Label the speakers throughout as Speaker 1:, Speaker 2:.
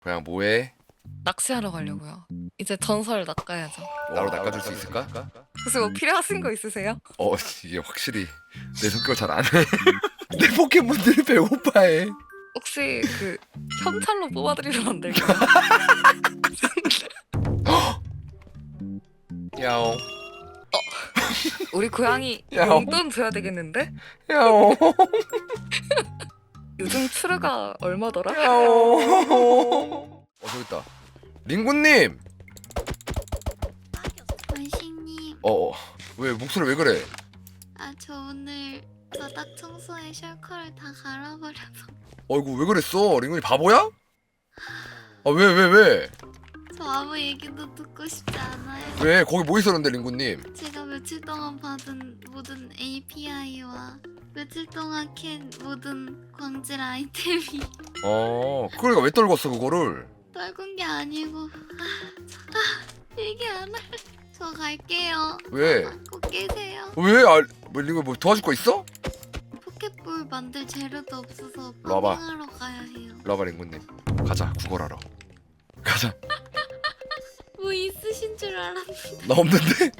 Speaker 1: 그냥 뭐해?
Speaker 2: 낚시하러 가려고요. 이제 전설 낚아야죠.
Speaker 1: 나로 낚아줄 수 있을까?
Speaker 2: 혹시 뭐 필요하신 거 있으세요?
Speaker 1: 이게 확실히 내 성격을 잘 안 해. 내 포켓몬들이 배고파해.
Speaker 2: 혹시 그 현찰로 뽑아드리면 안 될까요?
Speaker 1: 야옹
Speaker 2: 우리 고양이
Speaker 1: 야.
Speaker 2: 용돈 줘야 되겠는데?
Speaker 1: 야옹
Speaker 2: 요즘 추르가 얼마더라?
Speaker 1: 야옹. 저기 있다. 링구님.
Speaker 3: 원식님,
Speaker 1: 왜 목소리 왜 그래?
Speaker 3: 저 오늘 바닥 청소에 셜커를 다 갈아버려서
Speaker 1: 어이구 왜 그랬어? 링구님 바보야? 왜?
Speaker 3: 저 아무 얘기도 듣고 싶지 않아요.
Speaker 1: 왜? 거기 뭐 있었는데 링구님?
Speaker 3: 제가 며칠 동안 받은 모든 API와 며칠 동안 캔 모든 광질 아이템이
Speaker 1: 그러니까 왜 떨궜어 그거를?
Speaker 3: 떨군 게 아니고 얘기 안 할. 저 갈게요.
Speaker 1: 왜?
Speaker 3: 꼭 깨세요.
Speaker 1: 왜? 뭐 링구 뭐 도와줄 거 있어?
Speaker 3: 포켓볼 만들 재료도 없어서
Speaker 1: 일로 와봐.
Speaker 3: 파밍하러 가야 해요.
Speaker 1: 일로 와봐 링구님. 가자 구걸하러. 가자.
Speaker 3: 뭐 있으신 줄 알았는데.
Speaker 1: 나 없는데?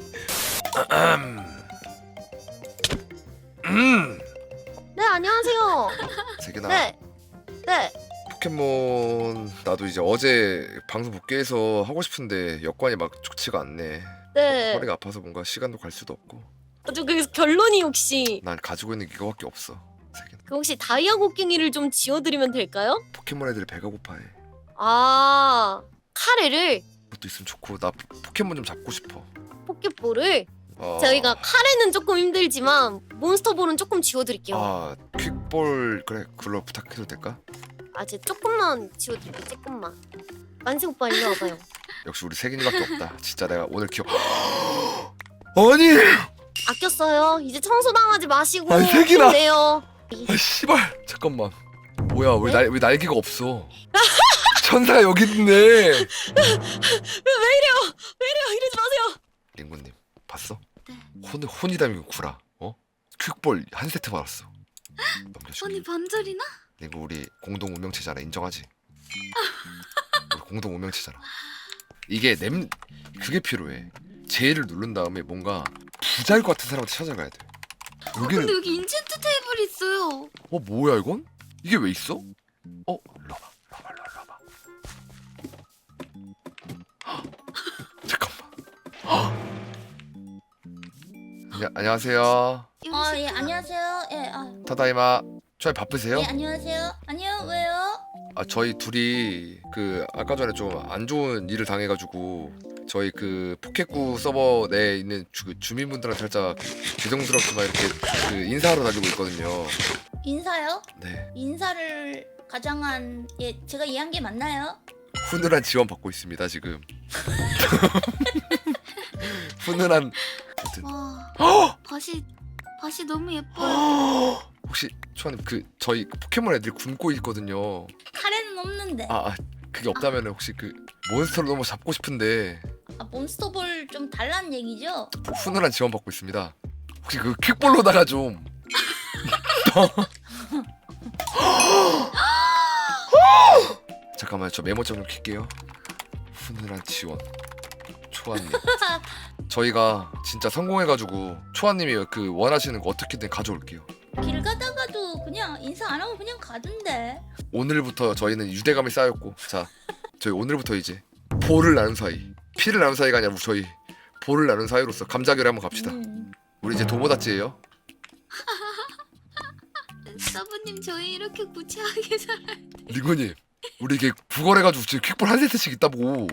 Speaker 4: 네, 안녕하세요.
Speaker 1: 세균아.
Speaker 4: 네. 네.
Speaker 1: 포켓몬 나도 이제 어제 방송 복귀해서 하고 싶은데 여건이 막 좋지가 않네.
Speaker 4: 네.
Speaker 1: 허리가 아파서 뭔가 시간도 갈 수도 없고.
Speaker 4: 저 그래서 결론이 혹시
Speaker 1: 난 가지고 있는 게 이거밖에 없어. 세균아.
Speaker 4: 그 혹시 다이아 곡괭이를 좀 지어드리면 될까요?
Speaker 1: 포켓몬 애들이 배가 고파해.
Speaker 4: 아, 카레를
Speaker 1: 그것도 있으면 좋고 나 포켓몬 좀 잡고 싶어.
Speaker 4: 포켓볼을
Speaker 1: 어...
Speaker 4: 저희가 카레는 조금 힘들지만 몬스터볼은 조금 지워드릴게요.
Speaker 1: 퀵볼 그래 그걸로 부탁해도 될까?
Speaker 4: 제 조금만 지워드릴게요. 조금만. 만세 오빠 일로 와봐요.
Speaker 1: 역시 우리 세균이밖에 없다. 진짜 내가 오늘 기억. 아니.
Speaker 4: 아꼈어요. 이제 청소당하지 마시고
Speaker 1: 아니, 색이나.
Speaker 4: 힘내요.
Speaker 1: 씨발 잠깐만. 뭐야 왜
Speaker 4: 네?
Speaker 1: 왜 날개가 없어? 천사가 여기 있네.
Speaker 4: 왜 이래요? 이러지 마세요.
Speaker 1: 링구님 봤어?
Speaker 3: 네.
Speaker 1: 혼이 담긴 구라. 퀵볼 한 세트 받았어. 넘겨줄게.
Speaker 3: 언니 반절이나?
Speaker 1: 링구 우리 공동 운명체잖아. 인정하지? 우리 공동 운명체잖아. 이게 그게 필요해. J를 누른 다음에 뭔가 부자일 것 같은 사람한테 찾아가야 돼. 여기는
Speaker 3: 근데 여기 인챈트 테이블 있어요.
Speaker 1: 뭐야 이건? 이게 왜 있어? 일로 와봐. 잠깐만. 안녕하세요.
Speaker 5: 예, 안녕하세요. 예,
Speaker 1: 타다이마. 저희 바쁘세요?
Speaker 5: 예, 안녕하세요. 아니요, 왜요?
Speaker 1: 저희 둘이 그 아까 전에 좀 안 좋은 일을 당해가지고 저희 그 포켓구 서버 내에 있는 주민분들한테 살짝 죄송스럽지만 이렇게 그 인사하러 다니고 있거든요.
Speaker 5: 인사요?
Speaker 1: 네.
Speaker 5: 인사를 가장한 제가 이해한 게 맞나요?
Speaker 1: 훈훈한 지원 받고 있습니다 지금. 훈훈한.
Speaker 3: 와, 밭이 너무 예뻐요.
Speaker 1: 혹시 초아님 그 저희 포켓몬 애들이 굶고 있거든요.
Speaker 5: 카레는 없는데.
Speaker 1: 그게 없다면 혹시 그 몬스터를 너무 잡고 싶은데
Speaker 5: 몬스터볼 좀 달라는 얘기죠?
Speaker 1: 훈훈한 지원 받고 있습니다. 혹시 그 퀵볼로다가 좀 잠깐만요. 저 메모장 좀 킬게요. 훈훈한 지원 초아님. 저희가 진짜 성공해가지고 초아님이 그 원하시는 거 어떻게든 가져올게요.
Speaker 5: 길 가다가도 그냥 인사 안 하고 그냥 가던데.
Speaker 1: 오늘부터 저희는 유대감이 쌓였고, 자 저희 오늘부터 이제 보를 나눈 사이, 피를 나눈 사이가 아니라 저희 보를 나눈 사이로서 감자결에 한번 갑시다. 우리 이제 도모다치예요.
Speaker 3: 서브님 저희 이렇게 구체하게 잘.
Speaker 1: 리고님 우리 이게 구걸해가지고 지금 퀵볼 한 세트씩 있다고.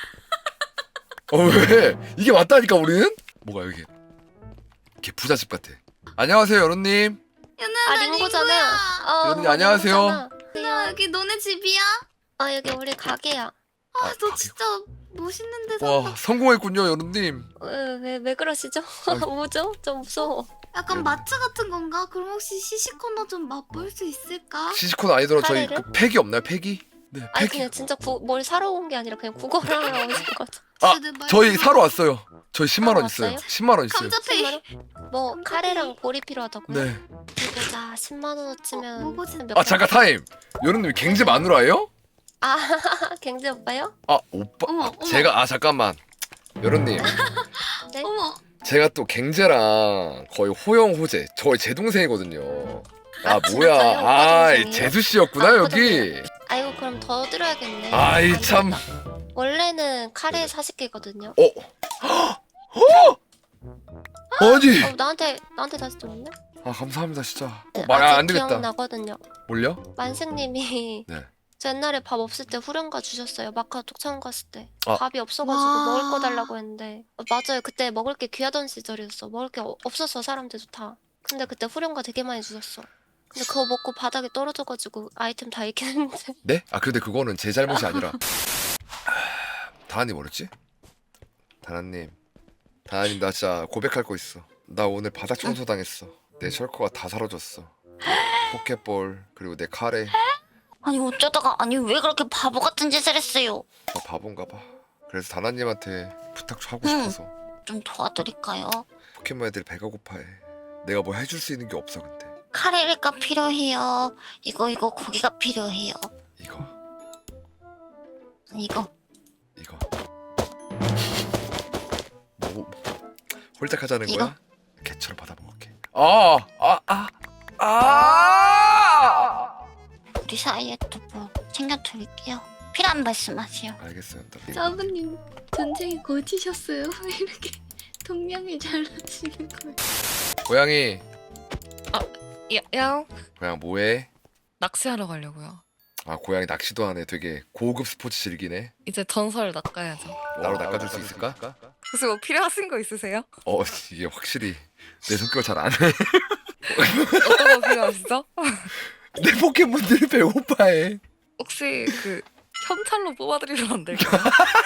Speaker 1: 왜? 이게 맞다니까 우리는? 뭐가 여기 이게 부잣집 같아. 안녕하세요 여론님.
Speaker 3: 연아
Speaker 4: 링고잖아요.
Speaker 1: 여러분들 안녕하세요.
Speaker 3: 야 여기 너네 집이야?
Speaker 4: 여기 우리 가게야.
Speaker 3: 너
Speaker 1: 가게요?
Speaker 3: 진짜 멋있는 데
Speaker 1: 와
Speaker 3: 산다.
Speaker 1: 성공했군요 여론님.
Speaker 4: 왜 그러시죠? 뭐죠? 좀 무서워.
Speaker 3: 약간 마트 같은 건가? 그럼 혹시 시시코너 좀 맛볼 수 있을까?
Speaker 1: 시시콘 아니더라도 저희
Speaker 4: 카레를?
Speaker 1: 그 팩이 없나요? 팩이? 네
Speaker 4: 아니
Speaker 1: 팩이.
Speaker 4: 그냥 진짜 뭘 사러 온 게 아니라 그냥 구걸하러 오신 것 같아.
Speaker 1: 저희 사러 왔어요. 저희 10만 원 있어요.
Speaker 4: 왔어요?
Speaker 1: 10만 원 있어요.
Speaker 3: 감자페이.
Speaker 4: 뭐 카레랑 볼이 필요하다고요?
Speaker 1: 네.
Speaker 4: 보자 10만 원어치면
Speaker 3: 뭐지?
Speaker 4: 몇
Speaker 1: 잠깐 타임. 여론님 갱제 마누라예요?
Speaker 4: 아 갱제 오빠요?
Speaker 1: 아 오빠
Speaker 3: 어머, 어머.
Speaker 1: 제가 잠깐만 여론님
Speaker 4: 네?
Speaker 3: 어머.
Speaker 1: 제가 또 갱제랑 거의 호영호제 제 동생이거든요. 아 뭐야
Speaker 4: 진짜요? 오빠
Speaker 1: 아
Speaker 4: 동생이에요?
Speaker 1: 재수 씨였구나
Speaker 4: 아,
Speaker 1: 여기.
Speaker 4: 아이고 그럼 더 드려야겠네.
Speaker 1: 아이 참.
Speaker 4: 원래는 카레 40개거든요.
Speaker 1: 아니
Speaker 4: 나한테 다시 줬네?
Speaker 1: 아 감사합니다 진짜.
Speaker 4: 네,
Speaker 1: 말
Speaker 4: 아직
Speaker 1: 안 되겠다.
Speaker 4: 기억나거든요.
Speaker 1: 올려?
Speaker 4: 만승님이
Speaker 1: 네.
Speaker 4: 저 옛날에 밥 없을 때 후렴가 주셨어요. 마카오톡 처음 갔을 때.
Speaker 1: 아.
Speaker 4: 밥이 없어가지고
Speaker 3: 와.
Speaker 4: 먹을 거 달라고 했는데 맞아요. 그때 먹을 게 귀하던 시절이었어. 먹을 게 없었어 사람들도 다. 근데 그때 후렴가 되게 많이 주셨어. 근데 그거 먹고 바닥에 떨어져가지고 아이템 다 잃긴 했는데.
Speaker 1: 네? 아 근데 그거는 제 잘못이 아니라 다나님 뭐랬지? 다나님 나 진짜 고백할 거 있어. 나 오늘 바닥 청소 당했어. 내 철커가 다 사라졌어. 포켓볼 그리고 내 카레.
Speaker 5: 아니 어쩌다가 아니 왜 그렇게 바보 같은 짓을 했어요?
Speaker 1: 나 바본가 봐. 그래서 다나님한테 부탁 좀 하고
Speaker 5: 응.
Speaker 1: 싶어서.
Speaker 5: 좀 도와드릴까요?
Speaker 1: 포켓몬 애들이 배가 고파해. 내가 뭐 해줄 수 있는 게 없어 근데.
Speaker 5: 카레가 필요해요. 이거 고기가 필요해요.
Speaker 1: 이거
Speaker 5: 이거
Speaker 1: 뭐 홀짝하자는
Speaker 5: 이거?
Speaker 1: 거야? 개처럼 받아 먹을게. 아!
Speaker 5: 우리 사이에 또 뭐 챙겨드릴게요. 필요한 말씀하세요.
Speaker 1: 알겠어요.
Speaker 3: 사부님 전쟁에 거치셨어요. 왜 이렇게 동량을 잘하시는 거예요?
Speaker 1: 고양이
Speaker 2: 야
Speaker 1: 고양 뭐해?
Speaker 2: 낚시하러 가려고요.
Speaker 1: 아 고양이 낚시도 하네. 되게 고급 스포츠 즐기네.
Speaker 2: 이제 전설 낚아야죠.
Speaker 1: 나로 낚아줄 수 있을까?
Speaker 2: 혹시 뭐 필요하신 거 있으세요?
Speaker 1: 이게 확실히 내 성격을 잘 안 해.
Speaker 2: 어떤 거 필요하시죠?
Speaker 1: 내 포켓몬들이 배고파해.
Speaker 2: 혹시 그 현찰로 뽑아드리면 안 될까요?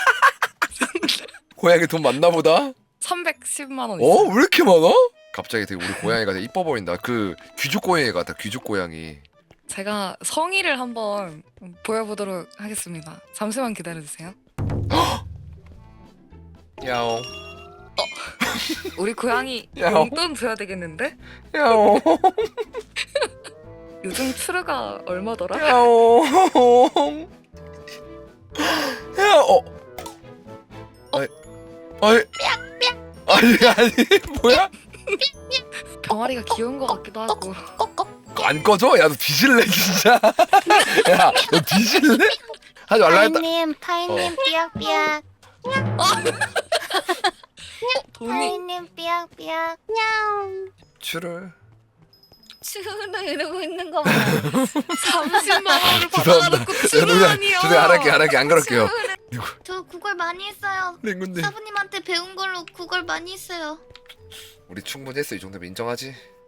Speaker 1: 고양이 돈 많나 보다?
Speaker 2: 310만 원 있어요.
Speaker 1: 왜 이렇게 많아? 갑자기 되게 우리 고양이가 되게 이뻐 보인다. 그 귀족 고양이 같아. 귀족 고양이.
Speaker 2: 제가 성의를 한번 보여보도록 하겠습니다. 잠시만 기다려주세요.
Speaker 1: 야옹
Speaker 2: 우리 고양이
Speaker 1: 야.
Speaker 2: 용돈 줘야 되겠는데?
Speaker 1: 야옹
Speaker 2: 요즘 추르가 얼마더라?
Speaker 1: 야옹 야옹 아니 뭐야?
Speaker 2: 병아리가 귀여운 것 같기도 하고.
Speaker 1: 안 꺼져? 야 너 뒤질래 진짜. 야 너 뒤질래? 하지 말라 했다.
Speaker 4: 파이님 삐약삐약.
Speaker 2: 돈이
Speaker 4: 삐약삐약.
Speaker 1: 추를
Speaker 5: 추는 이러고 있는 거 봐.
Speaker 2: 30만 원을
Speaker 1: 죄송합니다.
Speaker 2: 받아놓고 추르라니요.
Speaker 1: 죄송해요. 안 할게 안 그럴게요.
Speaker 3: 저 구걸 많이 했어요.
Speaker 1: 랭군데
Speaker 3: 사부님한테 배운 걸로 구걸 많이 했어요.
Speaker 1: 우리 충분히 했어. 이 정도면 인정하지?